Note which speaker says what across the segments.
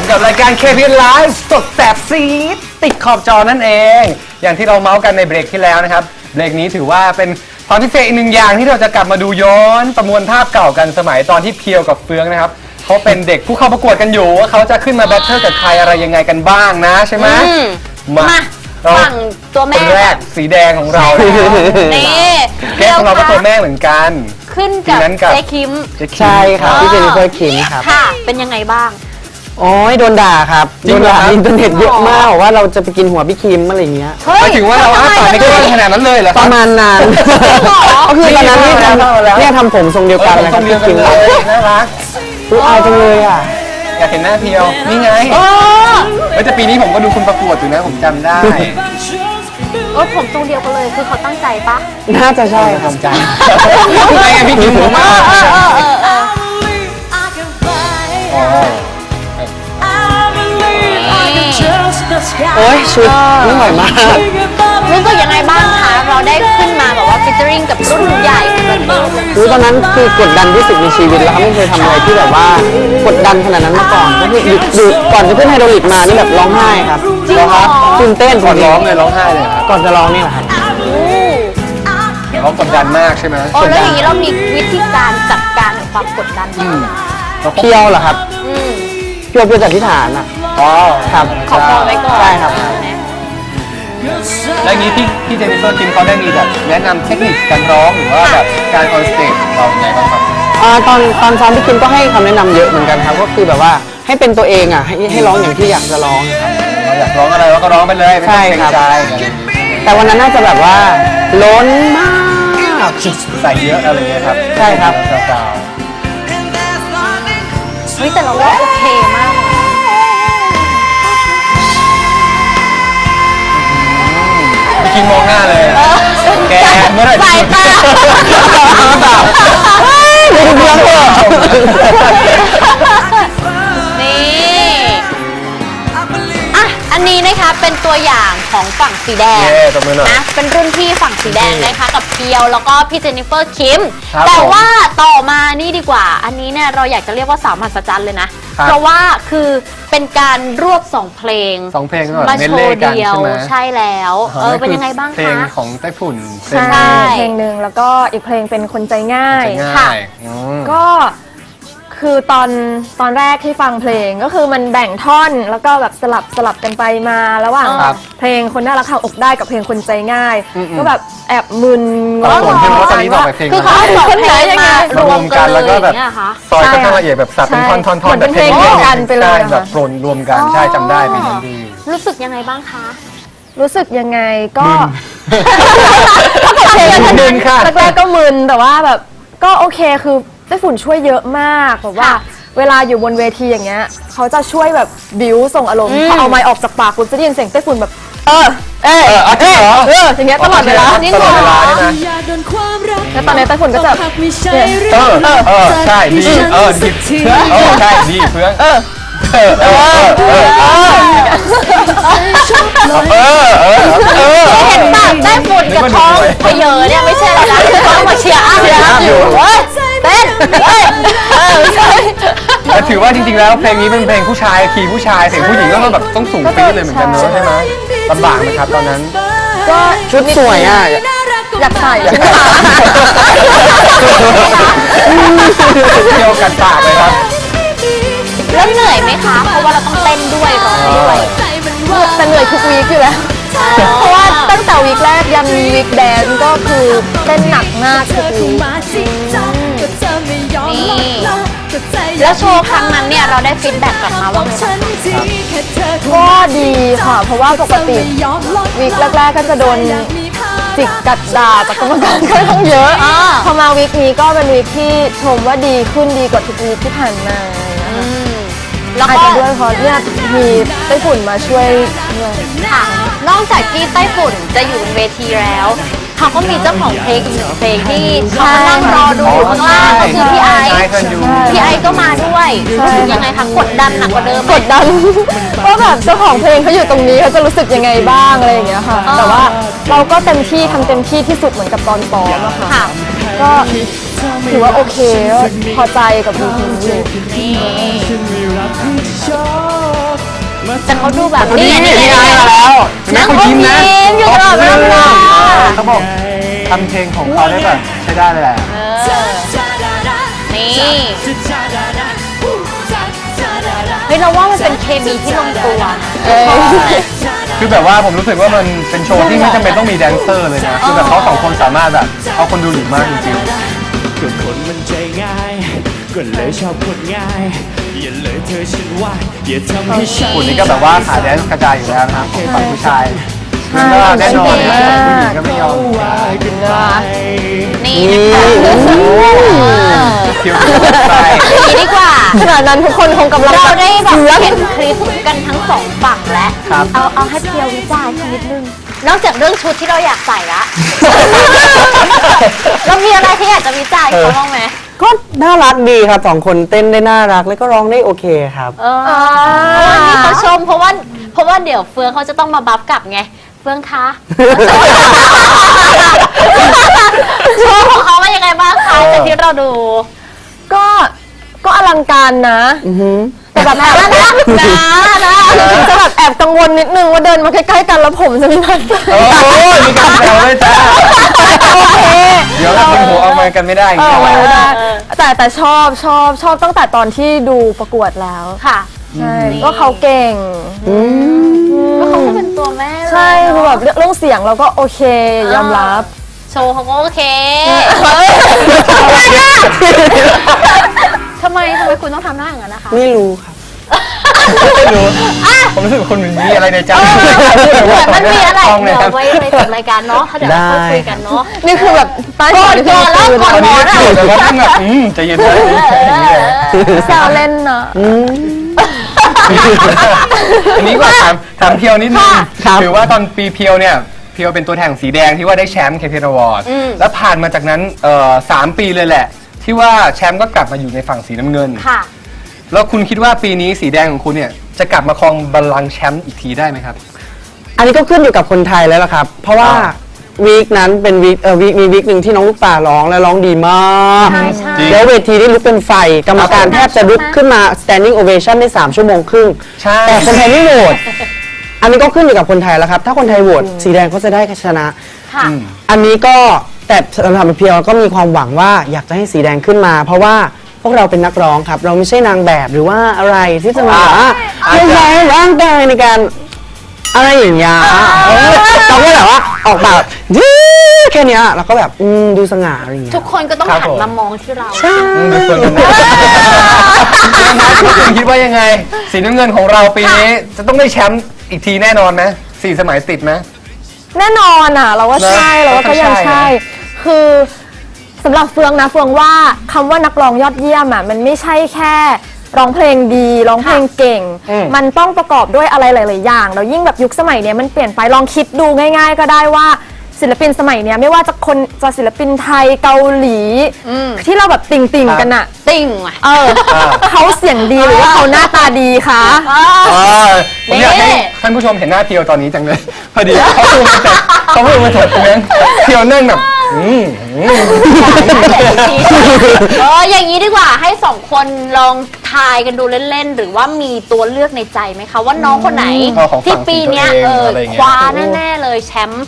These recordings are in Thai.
Speaker 1: กับรายการ KPN Live สดแสบซีดติดขอบจอนั่นเอง อย่างที่เราเมาส์กันในเบรกที่แล้วนะครับเบรกนี้ถือว่าเป็นความพิเศษอีกหนึ่งอย่างที่เราจะกลับมาดูย้อนประมวลภาพเก่ากันสมัยตอนที่เพียวกับเฟืองนะครับเขาเป็นเด็กผู้เข้าประกวดกันอยู่ว่าเขาจะขึ้นมาแบทเทิลกับใครอะไรยังไงกันบ้างนะใช่ไหมมา
Speaker 2: ฝั่งตัวแม่
Speaker 1: คนแรกสีแดงของเรา
Speaker 2: นี่
Speaker 1: แก้ของเราก็ตัวแม่เหมือนกัน
Speaker 2: ขึ้นกับเจ๊คิม
Speaker 3: ใช่ครับพี่เจนนิเฟอร์คิมครับ
Speaker 2: ค่ะเป็นยังไงบ้าง
Speaker 3: โอ้ยโดนด่าครับโดนด่าอินเทอร์เน็ตเยอะมากว่าเราจะไปกินหัวพี่คิมอะไรอย่างเงี้ย
Speaker 1: หมายถึงว่าเราอ้าปากไม่กล้าขนาดนั้นเลยเหรอ
Speaker 3: ประมาณนั้นก็คือตอนนั้นเนี่ยทำผมทรงเดียวกันเลยครับพี่คิม
Speaker 1: น่ารัก
Speaker 3: ดูอายจังเลยอ่ะ
Speaker 1: อยากเห็นหน้าเพียวนี่ไงแต่ปีนี้ผมก็ดูคุณประกวดอยู่นะผมจำได้
Speaker 2: ผมทรงเดียวกันเลยคือเขาตั้งใจปะ
Speaker 3: น่าจะใช่ครับ
Speaker 1: ใจไม่ไงพี่คิมผมมาก
Speaker 3: โอ้ยชุดไม่ไหวมาก
Speaker 2: รู้สึกยังไงบ้างคะเราได้ขึ้นมาแบบว่าฟิชเจอริงกับรุ่นใหญ่
Speaker 3: ตอนนั้นคือกดดันที่สุดในชีวิตแล้วไม่เคยทำอะไรที่แบบว่ากดดันขนาดนั้นมาก่อนก็คือหยุดก่อนจะขึ้นไฮโดรลิกมานี่แบบร้องไห้ครับตื่นเต้น
Speaker 1: ก่อนร้องเลยร้องไห้เลยครับ
Speaker 3: ก่อนจะร้องนี่แหละครับ
Speaker 1: เขากดดันมากใช่ไหม
Speaker 2: แล้วอย่างนี้เรามีวิธีการจัดการกับความกดดัน
Speaker 3: เพียวเหรอครับเพียวจากที่ฐานอ่ะครับ
Speaker 2: ขอพอไว้ก่อน
Speaker 3: ใช่ครับ
Speaker 1: แล้วนี้พี่เจนนิเฟอร์คิมเขาได้มีแบบแนะนำเทคนิคการร้องหรือว่าแบบการออนสเตจเราไงบ้างครับ
Speaker 3: ตอนซ้อมพี่คิมก็ให้คำแนะนำเยอะเหมือนกันครับก็คือแบบว่าให้เป็นตัวเองอ่ะให้ร้องอย่างที่อยากจะร้องครับ
Speaker 1: อยากร้องอะไรเราก็ร้องไปเลย
Speaker 3: ใช่ครับแต่วันนั้นน่าจะแบบว่าล้นมาก
Speaker 1: ใส่เยอะอะไรเงี้ยครับ
Speaker 3: ใช่ครับ
Speaker 2: เฮ้ยแต่เราว่าโอเคมาก
Speaker 1: พี่คิมมองหน้าเลยแกเมื่อไหร่
Speaker 2: สายตา
Speaker 3: ไม่ดูเรื่องเลย
Speaker 2: อันนี้นะคะเป็นตัวอย่างของฝั่งสีแดงนะเป็นรุ่นพี่ฝั่งสีแดงนะคะกับเพียวแล้วก็พี่เจนนิเฟอร์คิมแต่ว่าต่อมานี่ดีกว่าอันนี้เนี่ยเราอยากจะเรียกว่าสาวมหัศจรรย์เลยนะเพราะว่าคือเป็นการรวบ2 เพลงมาโชว์เดียวใช่แล้วเป็นยังไงบ้างคะ
Speaker 1: เพลงของไต้ฝุ่น
Speaker 4: ใช่เพลงหนึ่งแล้วก็อีกเพลงเป็นคนใจง่าย
Speaker 1: ค่ะ
Speaker 4: ก็คือตอนแรกที่ฟังเพลงก็คือมันแบ่งท่อนแล้วก็แบบสลับกันไปมาระหว่างเพลงคนน่ารักเข้าอกได้กับเพลงคนใจง่ายก็แบบแอบมึน
Speaker 1: งงว่า
Speaker 2: คือเขาสองเพลงมารวมกัน
Speaker 1: แล้วก็แบบซอยก็ละเอียดแบบสับเป็นท่อน
Speaker 4: แบบเพลงเดียวกันไปเลย
Speaker 1: แบบปนรวมกันใช่จำได้เป็นอย่างดี
Speaker 2: รู้สึกยังไงบ้างคะ
Speaker 4: รู้สึกยังไงก็
Speaker 1: มึนค่ะ
Speaker 4: แรกก็มึนแต่ว่าแบบก็โอเคคือไต้ฝุ่นช่วยเยอะมากแบบว่าเวลาอยู่บนเวทีอย่างเงี้ยเขาจะช่วยแบบบิ้วส่งอารมณ์พอเอาไมค์ออกจากปากคุณจะได้ยินเสียงไต้ฝุ่นแบบอย่างเงี้ยตลอดเวลา
Speaker 1: นี่ตลอดเวลาใช่ไหม
Speaker 4: แล้วตอนนี้ไต้ฝุ่นก็จะ
Speaker 1: ใช่ดีใช่ดีเพื่อน
Speaker 2: เห็นปากได้ฝุ่นกับท้องไปเยอะเนี่ยไม่ใช่อะไรนะท้องมาเชียร์อยู่เต้น
Speaker 1: แต่ถือว่าจริงๆแล้วเพลงนี้เป็นเพลงผู้ชายคีย์ผู้ชายเสียงผู้หญิงก็แบบต้องสูงปี๊ดเลยเหมือนกันเนอะใช่ไหมลำบากไหมครับตอนนั้น
Speaker 4: ก็
Speaker 3: ชุดสวยอ่ะ
Speaker 4: อยากใส่
Speaker 1: เที่ยวกันปากเลยครับ
Speaker 2: แล้วเหนื่อยไหมคะเพราะว่าเราต้องเต้นด้วยร้องด้วย
Speaker 4: แต่เหนื่อยทุกวีคอยู่แล้วเพราะว่าตั้งแต่วีคแรกยันวีคแดนก็คือเต้นหนักมากทุกวีค
Speaker 2: แล้วโชว์ครั้งนั้นเนี่ยเราได้ฟีดแบ็กกลับมาว่าไง
Speaker 4: ก็ดีค่ะเพราะว่าปกติวีคแรกๆก็จะโดนจิกกัดด่าจากกรรมการค่อนข้างเยอะพอมาวีคนี้ก็เป็นวีคที่ชมว่าดีขึ้นดีกว่าทุกวีคที่ผ่านมาแล้วก็ด้วยเพราะเนี่ยมีไต้ฝุ่นมาช่วยด้วย
Speaker 2: ค่ะนอกจากที่ไต้ฝุ่นจะอยู่บนเวทีแล้วเขาก็มีเจ้าของเพลงอีกหนึ่งเพลงที่เขานั่งรอดูอยู่ข้างล่างก็คือพี่ไอก็มาด้วยยังไงคะกดดันหนักกว่าเดิม
Speaker 4: กดดันก็แบบเจ้าของเพลงเขาอยู่ตรงนี้เขาจะรู้สึกยังไงบ้างอะไรอย่างเงี้ยค่ะแต่ว่าเราก็เต็มที่ทำเต็มที่ที่สุดเหมือนกับตอนซ้อมอะค่ะก็ถือว่าโอเคพอใจกับเพลงนี้
Speaker 2: แต่เขาดูแบบ
Speaker 1: นี่นี่ไงมาแล้วเห็นไหมเขายิ้มนะ
Speaker 2: ยิ้มอยู่ตลอดเวลา
Speaker 1: เขาบอกทำเพลงของเขาได้แบบใช้ได้เลยแหละ
Speaker 2: นี่เฮ้ยเราว่ามันเป็นเคมีที่ลงตัวนะ
Speaker 1: คือแบบว่าผมรู้สึกว่ามันเป็นโชว์ที่ไม่จำเป็นต้องมีแดนเซอร์เลยนะคือแบบเขาสองคนสามารถแบบเอาคนดูหลุดมากจริง
Speaker 5: ก็คนมันใจง่าย ก็เลยชอบคนง่าย อย่าเลยเธอฉันว่า อย่าทำให้ฉัน
Speaker 1: ๆคุณนี่ก็แบบว่าขาแดนซ์กระจายอยู่แล้วนะครับของฝั่งผู้ชายก็แน่นอนเนี่ยผู้หญิงก็ไม่ยอม
Speaker 2: นี่นะคะ
Speaker 1: คิวไป
Speaker 2: อย่างนี้ดีกว่า
Speaker 4: ขณะนั้นทุกคนคงกำลัง
Speaker 2: เราได้แบบ
Speaker 4: เสือก
Speaker 2: เห็นคลิปกันทั้งสองฝั่งแล้ว
Speaker 1: ครับ
Speaker 2: เอาให้เพียววิจารณ์นิดนึง นอกจากเรื่องชุดที่เราอยากใส่ละเรามีอะไรที่อยากจะวิจารณ์เขาบ้างไหม
Speaker 3: ก็น่ารักดีครับสองคนเต้นได้น่ารักแล้วก็ร้องได้โอเคครับ
Speaker 2: วันนี้เขาชมเพราะว่าเดี๋ยวเฟืองเขาจะต้องมาบัฟกลับไง เฟืองคะโชว์ของเขาว่ายังไงบ้างคะจากที่เราดู
Speaker 4: ก็อลังการนะ แต่แบบนะถึงจะแบบแอบกังวลนิดนึงว่าเดินมาใกล้ๆกันแล้วผมจะมีปัญหา
Speaker 1: โอ้ยมีการแซวด้วยจ้า
Speaker 4: โอเค
Speaker 1: เดี๋ยวเราเป็นหัวเอามากันไม่ได้อย่างเงี้ย
Speaker 4: ไม่ได้แต่ชอบตั้งแต่ตอนที่ดูประกวดแล้ว
Speaker 2: ค่ะ
Speaker 4: ใช่ก็เขาเก่ง
Speaker 2: ก็เขาก็เป็นตัวแม่เลย
Speaker 4: ใช่คือแบบเรื่องเสียงเราก็โอเคยอมรับ
Speaker 2: โชว์เขาก็โอเคทำไมคุณต้องทำหน้าอย่างนั้นนะคะ
Speaker 3: ไม่รู้ครับ
Speaker 1: ไม่รู้ผมรู้สึกว่าคนมันมีอะไรในใจ
Speaker 2: เหมือนมันมีอะไร
Speaker 1: ต้องเลย
Speaker 2: เดี๋
Speaker 1: ครั
Speaker 2: ยว
Speaker 1: บ
Speaker 2: ไว้ในจบรายการเนาะเดี๋ยวเราค่อยคุยกันเนาะ
Speaker 4: นี่คือแบบใต้หัวที่
Speaker 2: ก่อนแล้ว
Speaker 4: คือ
Speaker 2: ก่อน
Speaker 1: ตอนนี้ก็คือแต่ว่าท่านแบบใจเย็นใจเย็นอย่างนี้เลย
Speaker 4: แซวเล่นเนาะ
Speaker 1: อันนี้ก็ถามเพียวนิดนึง
Speaker 3: ครับ
Speaker 1: ถือว่าตอนปีเพียวเนี่ยเพียวเป็นตัวแทนสีแดงที่ว่าได้แชมป์เคพีอวอร์ดแล้วผ่านมาจากนั้น3 ปีเลยแหละ ที่ว่าแชมป์ก็กลับมาอยู่ในฝั่งสีน้ำเงิน
Speaker 2: ค่ะ
Speaker 1: แล้วคุณคิดว่าปีนี้สีแดงของคุณเนี่ยจะกลับมาครองบัลลังก์แชมป์อีกทีได้ไหมครับ
Speaker 3: อันนี้ก็ขึ้นอยู่กับคนไทยแล้วล่ะครับ เพราะว่าวีคนั้นเป็นวีคมีวีคหนึ่งที่น้องลูกป่าร้องและร้องดีมาก
Speaker 2: ใช่ใช่
Speaker 1: จริง
Speaker 3: แล้วเวทีนี่ลุกเป็นไฟ กรรมการแทบจะลุกขึ้นมา standing ovation ได้3 ชั่วโมงครึ่ง
Speaker 1: ใช่
Speaker 3: แต่คนไทยไม่โหวตอันนี้ก็ขึ้นอยู่กับคนไทยแล้วครับ ถ้าคนไทยโหวตสีแดงก็จะได้ชนะ
Speaker 2: ค่ะ
Speaker 3: อันนี้ก็แต่สำหรับเพียวก็มีความหวังว่าอยากจะให้สีแดงขึ้นมา เพราะว่าพวกเราเป็นนักร้องครับ เราไม่ใช่นางแบบหรือว่าอะไรที่จะมาเพื่อใช้ร่างกายในการอะไรอย่างเงี้ยเราก็แบบว่าออกแบบแค่เนี้ยเราก็แบบดูสง่าอะไรอย่างเงี้ย
Speaker 2: ทุกคนก็ต้อง
Speaker 1: ครับ
Speaker 2: หัน
Speaker 1: ผม
Speaker 2: มามองที่เรา
Speaker 1: ดูส่วนกันนะคุณคิดว่ายังไง สีน้ำเงินของเราปีนี้จะต้องได้แชมป์อีกทีแน่นอนไหม4 สมัยติดไหม
Speaker 4: แน่นอนอ่ะ เราว่าใช่
Speaker 1: นะ
Speaker 4: เราว่าก็ยัง
Speaker 1: ก็ใช่
Speaker 4: ใช่ คือสำหรับเฟืองนะเฟืองว่าคำว่านักร้องยอดเยี่ยมอ่ะมันไม่ใช่แค่ร้องเพลงดีร้องเพลงเก่ง มันต้องประกอบด้วยอะไรหลาย ๆ อย่างแล้วยิ่งแบบยุคสมัยเนี้ยมันเปลี่ยนไปลองคิดดูง่าย ๆ ก็ได้ว่าศิลปินสมัยเนี้ยไม่ว่าจะศิลปินไทยเกาหลีที่เราแบบติ่งๆกันอ่ะ
Speaker 2: ติ่งว่ะ
Speaker 4: เขาเสียงดีหรือว่าเขาหน้าตาดีคะ
Speaker 1: ผมอยากให้
Speaker 2: นี่
Speaker 1: ท่านผู้ชมเห็นหน้าเพียวตอนนี้จังเลย พอดีเขาพูดมาถกเพียงเพียวนั่งแบบ
Speaker 2: อย่างนี้ดีกว่าให้สองคนลองทายกันดูเล่น ๆ หรือว่ามีตัวเลือกในใจไหมคะว่าน้องคนไหน
Speaker 1: ของฝั่ง
Speaker 2: ที่ปีเนี้ย
Speaker 1: ตัวเองอะไรอย่างเงี้ย
Speaker 2: คว้าแน่ ๆ เลยแชมป์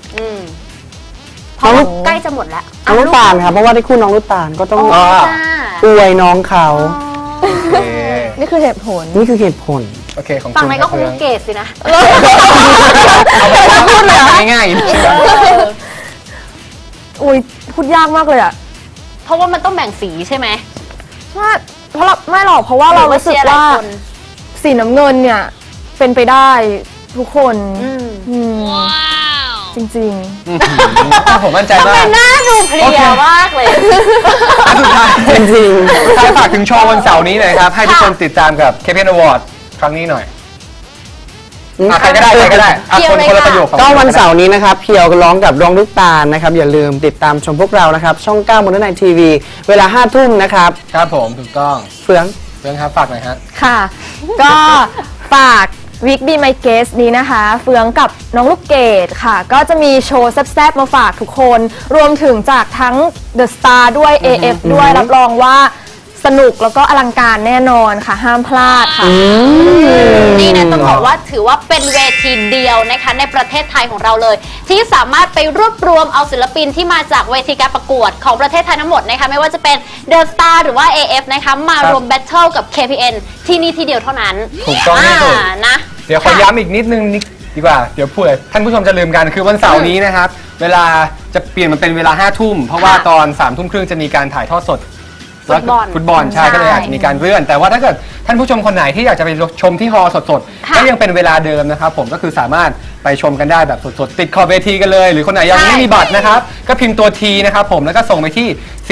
Speaker 2: เพราะว่าใกล้จะหมดแล้ว
Speaker 3: น้องลูกตาลครับเพราะว่าได้คู่น้องลูกตาลก็ต้อง
Speaker 1: อ่า
Speaker 2: จ้า
Speaker 3: อวยน้องเขา
Speaker 1: โอเค
Speaker 4: นี่คือเหตุผล
Speaker 3: นี่คือเหตุผล
Speaker 1: โอเคของ
Speaker 2: ฝั่ง
Speaker 1: คุณ
Speaker 2: ไหนก็คง
Speaker 1: เพื่อน
Speaker 2: เกตสินะ
Speaker 1: เอาไปพูดเลยง่าย
Speaker 4: อุ้ยพูดยากมากเลยอ่ะ
Speaker 2: เพราะว่ามันต้องแบ่งสีใช่ไหม
Speaker 4: เพราะเราไม่หรอกเพราะว่าเรารู้สึกว่าสีน้ำเงินเนี่ยเป็นไปได้ทุกคนจริง
Speaker 1: ๆผมมั่นใจมาก
Speaker 2: หน้าดูเพลียมากเลย
Speaker 1: อันสุดท้าย
Speaker 3: จริง
Speaker 1: ใครฝากถึงโชว์วันเสาร์นี้หน่อยครับ ให้ทุกคนติดตามกับ KPN Award ครั้งนี้หน่อยใครก็ได้คนละประโยคของ
Speaker 3: ก็วันเสาร์นี้นะครับเพียวร้องกับร้องลูกตาลนะครับอย่าลืมติดตามชมพวกเรานะครับช่อง9 Modern Night TV เวลา 5 ทุ่มนะครับ
Speaker 1: ครับผมถูกต้อง
Speaker 3: เฟือง
Speaker 1: เรื่องครับฝากหน่อยฮะ
Speaker 4: ๆ ค่ะ ก็ฝากวิก Be My Guest นี้นะคะ เฟืองกับน้องลูกเกดค่ะ ก็จะมีโชว์แซ่บๆมาฝากทุกคน รวมถึงจากทั้ง The Star ด้วย AF ด้วยรับรองว่าสนุกแล้วก็อลังการแน่นอนค่ะ ห้ามพลาดค่ะ
Speaker 2: นี่นะต้องบอกว่าถือว่าเป็นเวทีเดียวนะคะในประเทศไทยของเราเลย ที่สามารถไปรวบรวมเอาศิลปินที่มาจากเวทีการประกวดของประเทศไทยทั้งหมดนะคะไม่ว่าจะเป็น The Star หรือว่า AF นะคะมารวมแบทเทิลกับ KPN ที่นี่ที่เดียวเท่านั้น
Speaker 1: ถูกต้องที่สุด
Speaker 2: นะ
Speaker 1: เดี๋ยวขอย้ำอีกนิดนึงดีกว่า เดี๋ยวเผื่อท่านผู้ชมจะลืมกันคือวันเสาร์นี้นะครับ เวลาจะเปลี่ยนมาเป็นเวลา 5 ทุ่ม เพราะว่าตอน 3 ทุ่มครึ่งจะมีการถ่ายทอดสด ฟุตบอลใช่ก็เลยอาจจะมีการเลื่อน แต่ว่าถ้าเกิดท่านผู้ชมคนไหนที่อยากจะไปชมที่ฮอลล์สดๆก็ยังเป็นเวลาเดิมนะครับผมก็คือสามารถไปชมกันได้แบบสดๆติดขอบเวทีกันเลย หรือคนไหนยังไม่มีบัตรนะครับก็พิมพ์ตัว T นะครับผมแล้วก็ส่งไปที่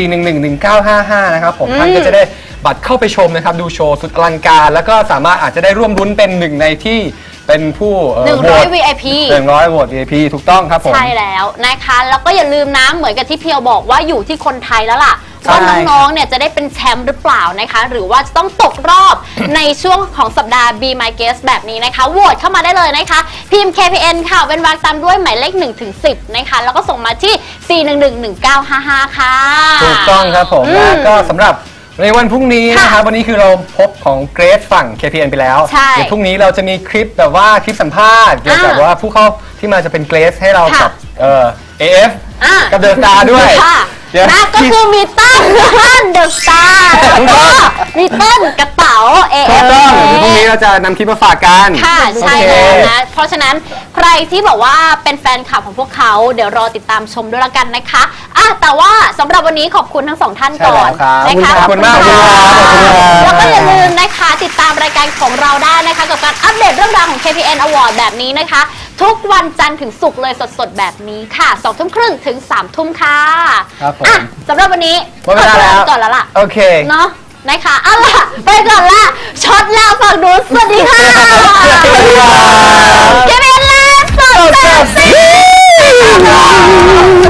Speaker 1: 4111955 นะครับผมท่านก็จะได้บัตรเข้าไปชมนะครับดูโชว์สุดอลังการแล้วก็สามารถอาจจะได้ร่วมรุ้นเป็นหนึ่งในที่เป็นผู้
Speaker 2: 100 VIP
Speaker 1: 100 โหวต VIP ถูกต้องครับผม
Speaker 2: ใช่แล้วนะคะแล้วก็อย่าลืมนะเหมือนกับที่เพียวบอกว่าอยู่ที่คนไทยแล้วล่ะ
Speaker 1: ใช่
Speaker 2: ว่าน้องๆเนี่ยจะได้เป็นแชมป์หรือเปล่านะคะหรือว่าจะต้องตกรอบ ในช่วงของสัปดาห์ Be My Guest แบบนี้นะคะโหวตเข้ามาได้เลยนะคะพิมพ์ KPN ค่ะเป็นวรรคตามด้วยหมายเลข1ถึง10นะคะแล้วก็ส่งมาที่ 4111955 ค่ะ
Speaker 1: ถูกต้องครับผมแล้วก็สำหรับในวันพรุ่งนี้นะครับวันนี้คือเราพบของเกรซฝั่ง KPN ไปแล้ว
Speaker 2: ใช่
Speaker 1: เดี๋ยวพรุ่งนี้เราจะมีคลิปแบบว่าคลิปสัมภาษณ์เกี่ยวกับว่าผู้เข้าที่มาจะเป็นเกรซให้เรากับAF กับเดอะสตาร์ด้วย
Speaker 2: ค่ะ
Speaker 1: เดี๋ยว
Speaker 2: นะก็คือมีตั้งเดอะสตาร์แล้วก็มีต้นกระเป๋า
Speaker 1: ถูก
Speaker 2: AF
Speaker 1: ต้องเดี๋ยวพรุ่งนี้เราจะนำคลิปมาฝากกัน
Speaker 2: ค่ะใช่
Speaker 1: โอเค
Speaker 2: แล้วนะเพราะฉะนั้นใครที่บอกว่าเป็นแฟนคลับของพวกเขาเดี๋ยวรอติดตามชมด้วยละกันนะคะแต่ว่าสำหรับวันนี้ขอบคุณทั้งสองท่านก่อน
Speaker 1: ใช่แล้วครับ
Speaker 2: นะคะ
Speaker 1: ขอบคุณมาก
Speaker 2: ขอบ
Speaker 1: ขอบคุณครับ
Speaker 2: แล้วก็อย่าลืมนะคะติดตามรายการของเราได้นะคะกับการอัปเดตเรื่องราวของ KPN Award แบบนี้นะคะ ทุกวันจันทร์ถึงศุกร์เลยสดๆแบบนี้ค่ะ2 ทุ่มครึ่งถึง3 ทุ่มค่ะ
Speaker 1: ครับผม
Speaker 2: สำหรับวันนี้
Speaker 1: หมดเวลาแล้ว
Speaker 2: ก่อนแล้วล่ะ
Speaker 1: โอเค
Speaker 2: เนาะนะคะเอาล่ะไปก่อนละช็อตแล้วฝั่งนู้นสวัสดีค่ะ
Speaker 1: สวัสดีครับ
Speaker 2: KPN และสดแบบซี